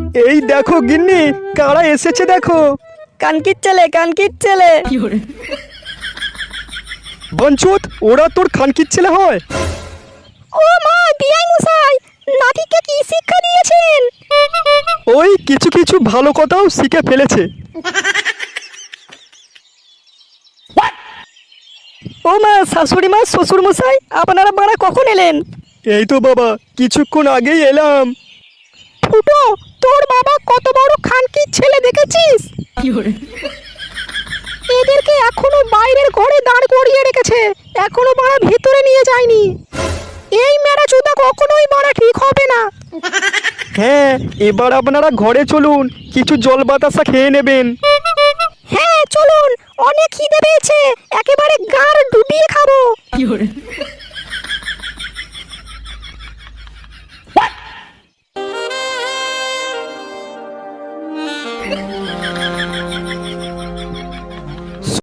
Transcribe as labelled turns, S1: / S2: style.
S1: এই দেখো গিন্নি, কারা এসেছে দেখো।
S2: কানকির ছেলে
S1: বঞ্চুত, ওরা তোর খানকির ছেলে হয়?
S2: ও মা, বিআই মশাই নাতিকে কি শিক্ষা দিয়েছেন?
S1: ওই কিছু কিছু ভালো কথাও শিখে ফেলেছে।
S2: ও মা, শাশুড়ি মা, শ্বশুর মশাই আপনারা বাড়া কখন এলেন?
S1: এই তো বাবা, কিছুক্ষণ আগেই এলাম।
S2: ফুটো, তোর বাবা কত বড় খানকির ছেলে দেখেছিস? এদেরকে এখনো বাইরের ঘরে দাঁড় করিয়ে রেখেছে, এখনো বাড়া ভেতরে নিয়ে যায়নি। এই মেরা চুদা কখনোই বাড়া ঠিক হবে না।
S1: হ্যাঁ, এবার আপনারা ঘরে চলুন, কিছু জল বাতাসা খেয়ে নেবেন।
S2: হ্যাঁ চলুন, অনেক খিদে পেয়েছে, একেবারে গাড় ডুবিয়ে খাবো।